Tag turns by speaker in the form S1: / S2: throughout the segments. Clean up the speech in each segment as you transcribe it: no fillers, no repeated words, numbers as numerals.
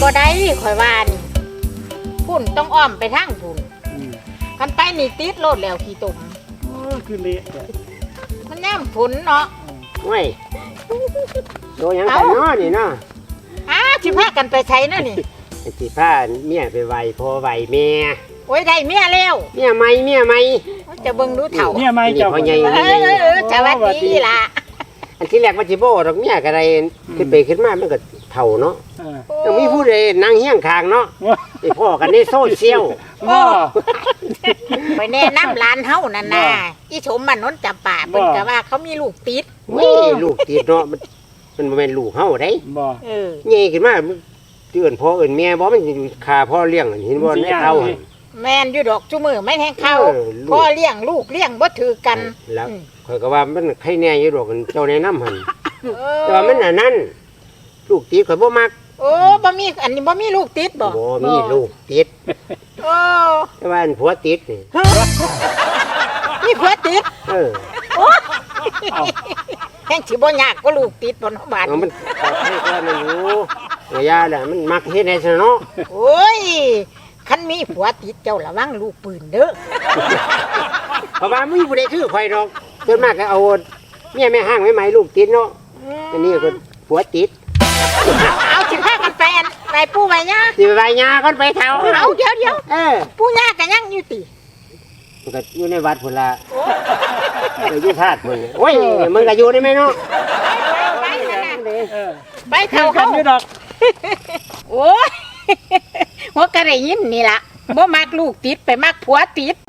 S1: ได้ข่อยว่านี่พุ่นต้องอ้อมไปทางพุ่นคันไปนี่ติดโลดแล้วขี้ตุ่ม
S2: คือเละ
S1: มันย่ำฝนเนาะ
S3: โอ้ยโดนยังกันเนาะนี่เนาะ
S1: สิพากันไปใช้นั่นนี่
S3: สิพาเมียไปไหวพ่อไหวแม่
S1: โอ้ยได้เมียแล้ว
S3: เมียใหม่
S1: จะเบิ่งดูเถ่า
S2: เมียใหม่เจ้า
S3: พ่อใหญ่
S1: สวัสดีล่ะ
S3: อันที่แรกว่าสิบ่ดอกเมียก็ได้ขึ้นไปขึ้นมามันก็เฒ่าเนาะต้องมีผู้ใดนั่งเฮียงข้างเนาะไปพ่อกันในโซเชียล
S1: ไปแนะนำร้านเฮานั่นน่ะอีชมมันนนจำป่าเพิ่นก็ว่าเขามีลูกติด
S3: ลูกติดเนาะมันบ่แม่นลูกเฮาได้ใหญ่ขึ้นมาเตือนพ่อเอิ้นแม่บ่มันฆ่าพ่อเลี้ยงเห็นบ่ในเฒ่า
S1: แม่นอยู่ดอกจุมือไม่แทงเข้าพ่อเลี้ยงลูกเลี้ยงบ่ถือกัน
S3: แล้วข่อยก็ว่ามันใครแน่อยู่ดอกเจ้าแนะนำหั่นแต่ว่ามันอันนั้นลูกติดข่อยบ่มัก
S1: โอ้บ่มีอันนี้บ่มีลูกติดบ่
S3: มีลูกติด
S1: โอ้
S3: แต่ว่าผัวติดนี่
S1: มีผัวติดแห่งสิบ่ยากก็ลูกติดบ่เนาะบาด
S3: มันให้ก็มันอยู่ระยะแหละมันมักเฮ็ดให้ซะเนาะ
S1: โอ้ยคันมีผัวติดเจ้าระวังลูกปืนเด้อ
S3: เพราะว่ามีผู้ใดคือข่อยดอกส่วนมากก็เอาเมียแม่ห้างไว้ไหมลูกติดเนาะอันนี้ก็ผัวติด
S1: เอาสิพากันไปปู่ไปย่า
S3: สิไปย่าก่อนไปเฒ่า
S1: เอาเดี๋ยวปู่ย่าก็ยังอยู่ติ
S3: มันก็อยู่ในวัดพุ่นล่ะไปอยู่ธาตุพุ่นโอ้ยมึงก็อยู่ได้มั้ยเนาะ
S1: ไปเฒ่าเขาอยู่ดอกโอ้ยหัวกระไรยินนี่ล่ะบ่มักลูกติดไปมักผัวติด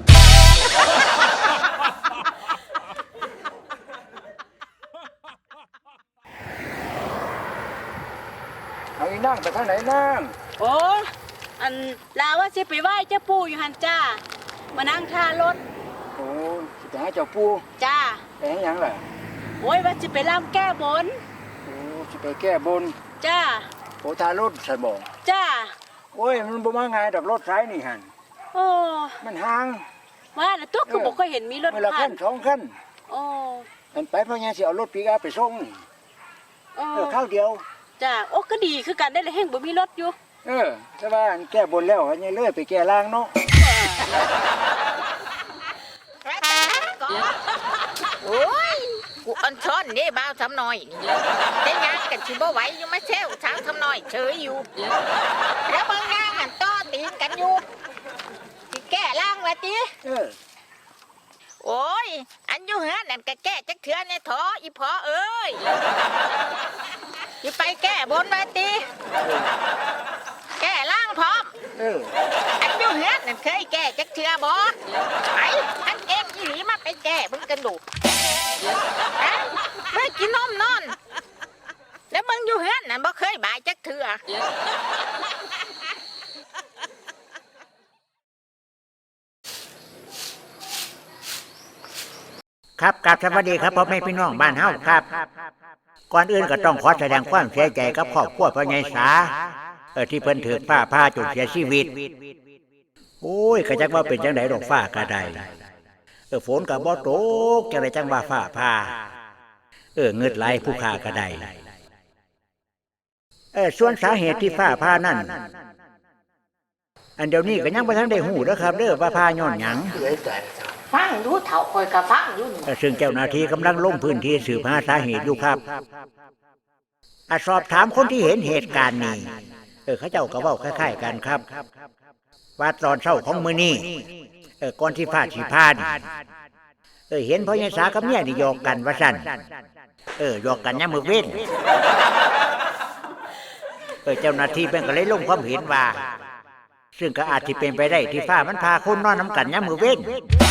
S2: เอาอีนั่งไปทางไหนนั่ง
S4: โอ้อันลาว่าสิไปไหว้เจ้าปู่อยู่หันจ้ามานั่งท่ารถ
S2: โอ้สิไปหาเจ้าปู่
S4: จ้า
S2: ไปหาหยังล่ะ
S4: โอ้ยว่าสิไปรำแก้บน
S2: โอ้สิไปแก้บน
S4: จ้า
S2: โอ้ทารถซั่นบ่
S4: จ้า
S2: โอ้ยมันบ่มาง่ายดอกรถสายนี่หั่น
S4: โอ้
S2: มันห่าง
S4: ว่าแล้วตัวก็บ่เคยเห็นมีรถ
S2: ผ่าน2คัน
S4: โอ้
S2: อันไปพ่อใหญ่สิเอารถปิกอัพไปส่งข้าวเดียว
S4: จ้าโอ้ก็ดีคือกันได้เลยแห่งบ่มีรถอยู่
S2: แต่ว่าอันแก้บนแล้วอันนี้เลยไปแก้ล่างเนาะ
S1: โอ้ยกูอันช้อนนี่บ่าวทำน้อยแต่งานกันสิบ่ไหวอยู่มาเซลสาวทำน้อยเฉยอยู่แล้วบางงานมันต่อตีกันอยู่สิแก้ล่างว่าติโอ้ยอันอยู่เฮือนนั่นก็แก้จักเทื่อในถออีพอเอ้ยสิไปแก้บนว่าติแก้ล่างพร้อมอันอยู่เฮือนนั่นเคยแก้จักเทื่อบ่ไอ้อันเองอีหลีมาไปแก้มึงกันดูไม่กินนมนอนแล้วมึงอยู่เฮือนนั่นบ่เคยบ่ายจักเทื่อ
S5: ครับกราบสวัสดีครับพ่อแม่พี่น้องบ้านเฮาครับก่อนอื่นก็ต้องขอแสดงความเสียใจกับครอบครัวพ่อใหญ่สาที่เพิ่นถูกฟ้าผ่าจนเสียชีวิตโอ้ยก็จักว่าเป็นจังได๋ดอกฟ้าก็ได้ฝนก็บ่ตกจังได๋จังว่าฟ้าผ่าเงิดไหลผู้ฆ่าก็ได้ส่วนสาเหตุที่ฟ้าผ่านั่นอันเดี๋ยวนี้ก็ยังบ่ทันได้ฮู้เด้อครับเด้อว่าผ่าย้อนหยัง
S1: ฟังดูเฒ่าคอยก็ฟังอยู่นี่
S5: ซึ่งเจ้าหน้าที่กำลังลงพื้นที่สืบหาสาเหตุอยู่ครับสอบถามคนที่เห็นเหตุการณ์นี้เขาเจ้าก็เว้าคล้ายๆกันครับว่าตอนเช้าของมื้อนี้ก่อนที่ฟ้าสิผ่าเห็นพ่อใหญ่สากับเมียนี่หยอกกันว่าซั่นหยอกกันยามมื้อเว้นเจ้าหน้าที่เพิ่นก็เลยลงความเห็นว่าซึ่งก็อาจสิเป็นไปได้ที่ฟ้ามันพาคนนอนนำกันยามมื้อเว้น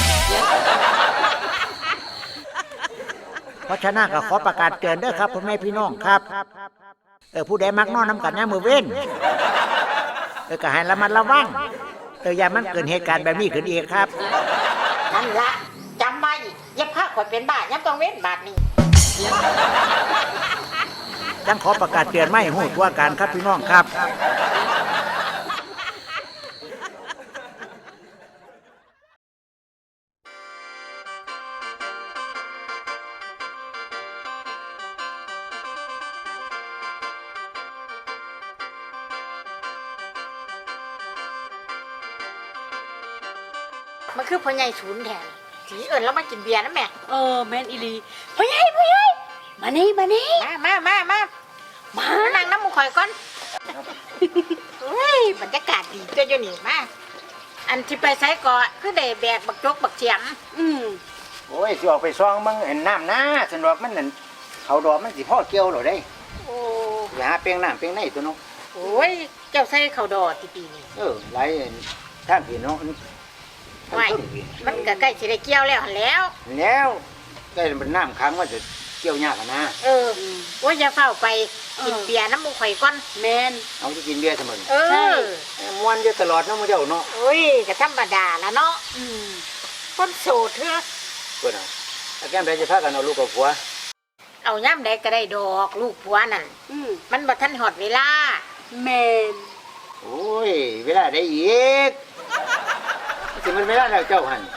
S5: เพราะฉะนั้นก็ขอประกาศเตือนเด้อครับพ่อแม่พี่น้องครับผู้ใดมักนอนนำกันยามมื้อเว้นก็ให้ระมัดระวังอย่ามันเกิดเหตุการณ์แบบนี้ขึ้นอีกครับ
S1: นั่นละจำไว้อย่าพาข่อยเป็นบ้ายามต้องเว้นบาดนี้
S5: จังขอประกาศเตือนไม่ฮู้ตัวกันครับพี่น้องครับ
S1: มันคือพ่อใหญ่ศูนย์แทนสีเอิญแล้วมากินเบียร์นะแม่
S4: แม่นอีหลีพ่อใหญ่มานี่
S1: มานั่งน้ำมูกข่อยก่อนเฮ้ยบรรยากาศดีเจ้าอยู่นี่มาอันที่ไปไซก่อคือได้แบกบักจกบักเฉียม
S2: โอ้ยสิออกไปซองมึงเห็นน้ำนะสนดอกมันนั่นเขาดอกมันสิพ่อเกี่ยวหรอได้
S1: โอ้
S2: อย่าหาเปียงน้ำเปียงในตัวน้อง
S1: โอ้ยเจ้าใส่ข้าวดอที่ปีนี้
S2: หลายท่านพี่น้อง
S1: ไม่มันก็ใกล้สิได้เกี่ยวแล้วหั่นแล้ว
S2: แล้วได้เป็นน้ำค้างว่าจะเกี่ยวยากนะ
S1: โอ้ยอย่าเฝ้าไปกินเบียร์น้ำมูกข่อยก่อน
S4: แม่น
S2: เอาจะกินเบียร์เสมอ
S1: ใช่
S2: มวนอยู่ตลอดเนาะมื้อเจ้าเนาะ
S1: โอ้ยก็ธรรมดาละเนาะคนโสดเถอะ
S2: เพิ่นเอาถ้าแก้มได้จะพากันเอาลูกกับผัว
S1: เอาย่ำใดก็ได้ดอกลูกผัวนั่นมันบ่ทันหอดเวลา
S4: แม่น
S2: โอ้ยเวลาได้อีกสิมันเวลาแล้วเจ้าหั่น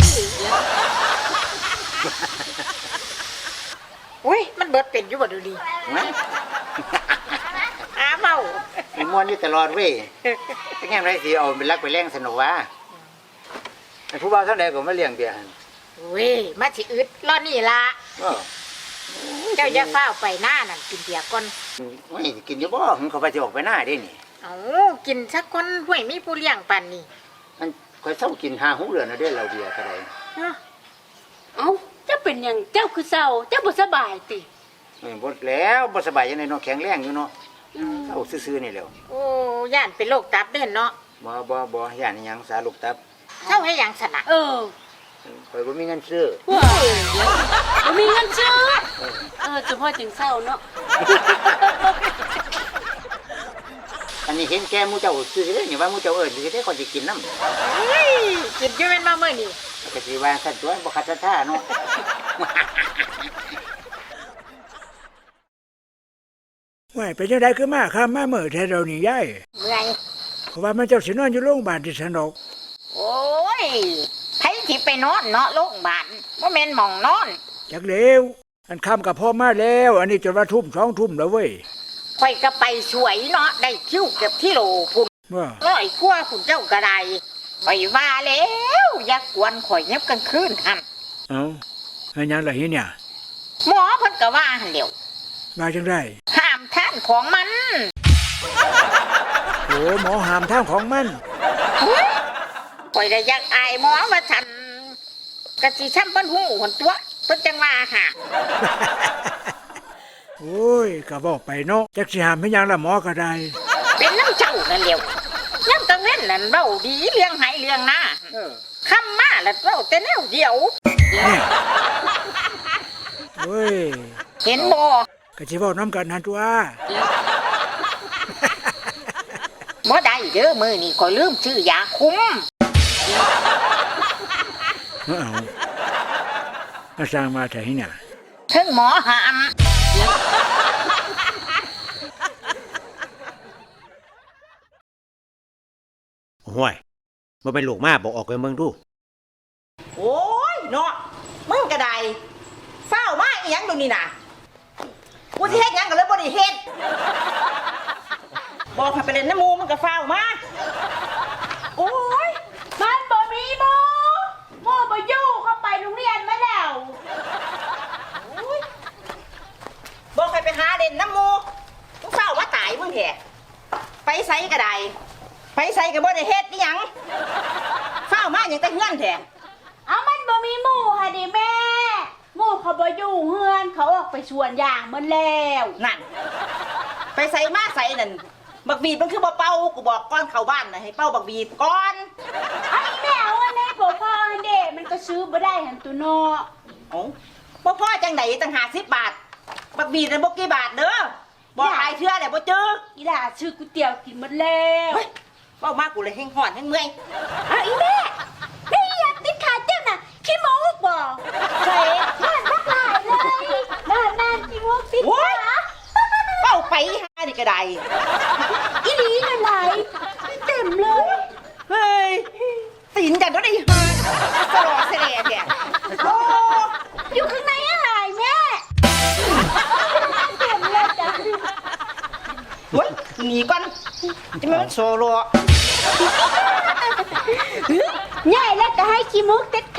S1: อุ้ยมันเบิดเป็นอยู่บ่ดูดี
S2: นะ
S1: อ้าเมา
S2: มันมวนอยู่ตลอดเว้ยถ้าแก้มได้สิเอาเป็นรักไปแรงสนุกวะผู้บ่าวเท่าใดก็มาเลี้ยงเบียร์หั่น
S1: อุ้ยมาสิอึดรอนี่ละ
S2: ก็
S1: เจ้าอย่าเฝ้าวไปหน้านั่นกินเบียร์ก่อน
S2: ไม่กินอยู่บ่หึงเขาไปสิออกไปหน้าเด้นี่
S1: เอากินสักคนห่วยมีผู้เลี้ยงปันนี่
S2: มันค่อยเศร้ากิน5-6เดือนแล้วเด้เราเบียร์ก็ได้
S4: เอ้าเจ้าเป็นหยังเจ้าคือเศร้าเจ้าบ่สบายติ
S2: บ่แล้วบ่สบายจังได๋เนาะแข็งแรงอยู่เนาะเศร้าซื่อๆนี่แหล้ว
S1: โอ้ย่านเป็นโรคตับเด่นเนาะ
S2: บ่ย่านอิหยังสาลูกตับ
S1: เจ้าให้หยังสนะ
S2: ข่อยบ่มีเงินซื้อ
S4: ว้าบ่มีเงินซื้อเฉพาะจังเศร้าเนาะ
S2: อันนี้เห็นแก่หมู่เจ้าซื้อเด้นี่ว่าหมู่เจ้าสิได้คนสิกินนำ
S1: เฮ้ยกินอยู่เป็นมาเมื่อนี่
S2: ก็สิว่าซั่นตัวบ่คัดศรัทธาเนาะ
S5: ว่าเป็นจังไดคือมาข้ามมาเมื่อแท้เรานี่ยาย
S1: เมื่อย
S5: เพราะว่ามันเจ้าสินอนอยู่โรงพยาบาลที่สนอก
S1: โอ้ยไผสิไปนอนเนาะโรงพยาบาลบ่แม่นหม่องนอน
S5: จักเลวอันค่ำกับพ่อมาแล้ว อันนี้จนว่าทุ่ม2 ทุ่มแล้วเว้ย
S1: ข่อยก็ไปสวยเนาะได้คิวเก็บที่โหลพุ่น
S5: ว่า
S1: ร้อยกว่าคุณเจ้าก็ได้ข่อยว่าแล้วอย่ากวนข่อยยับกลางคืนหั่น
S5: เอ้าอันยังล่ะเนี่ย
S1: หมอเพิ่นก็ว่าหั่นแหล้ว
S5: มาจังได๋
S1: ห้ามทานของมัน
S5: โอ้หมอห้ามทางของมัน
S1: ข่อยได้อยากอายหมอว่าฉันกะสิช้ำเพิ่นหูหนตัวเพิ่นจังว่าหา
S5: โอ้ยก็บอกไปเนาะจักสิห้ามให้ยังล่ะหมอก็ได้
S1: เป็นน้ำเจ้านั่นแหล้วย่ำกลางเว้นนั่นเว้าดีเลี้ยงให้เลี้ยงหน้าค่ำมาแล้วเว้าแต่แนวเดียว
S5: โอ้ย
S1: เห็นบ่
S5: ก็สิเว้านำกันนั่นตัว
S1: บ่ได้เด้อมื้อนี้ข่อยลืมชื่อยาคุม
S5: เอามาสร้างมาแต่ที่เนี่ย
S1: ถึงหมอหาม
S5: ห่วยบ่เป็นลูกมาบอกออกไปเมืองดู
S6: โอ้ยเนาะมึงก็ได้เฝ้ามาอีหยังดูนี่น่ะกูสิเฮ็ดหยังก็เลยบ่ได้เฮ็ดบอกให้ไปเล่นน้ำหมูมึงก็เฝ้ามาโอ้ย
S4: มันบ่มีโมบ่อยู่เขาไปโรงเรียนมาแล้ว
S6: บอกให้ไปหาเล่นน้ำหมูมึงเฝ้ามาตายมึงแท้ไปไสก็ได้ไปไสก็บ่ได้เฮ็ดอีหยังเฝ้ามาหยังแต่เฮือนแท้
S4: เอามันบ่มีหมู่ค่ะดิแม่หมู่เขาบ่อยู่เฮือนเขาออกไปสวนยางมันแล้ว
S6: นั่นไปไสมาไสนั่นบักบีดมันคือบ่เป่ากูบอกก่อนเข้าบ้านน่ะให้เป่าบักบีดก่อน
S4: ไอ้แม่เอาอันนี้บ่พอเด้มันก็ซื้อบ่ได้หันตัวเนาะ
S6: เอ้าบ่พอจังไดตั้ง50 บาทบักบีดน่ะบ่กี่บาทเด้อบอกหลายเทื่อแล้วบ่เจอ
S4: อีหล่าซื้อก๋วยเตี๋ยวกินหมดแล้ว
S6: เฮ้ยเว้ามากกูเลยแห้งห่อนแห้งเมื่อย
S4: เอาอีแม่นี่อยากติดขาเจ้าน่ะขี้โมกบ่ใส่บ้านบักหลายเลยบ้านนั่นขี้โมกติด
S6: โอ้ย
S4: ขา
S6: เป้าไปหานี่ก็ได้
S4: อีหลีละไหลเต็มเลย
S6: เฮ้ยตีนกันก็ได้หาสลอเสลแกโอ้
S4: อยู่ข้างในอะไรแม่เต็มเลยจ้ะ
S6: เฮ้ยหนีก่อนจะไม่มันโซโล
S4: ใหญ่แล้วก็ให้ขี้มุกติด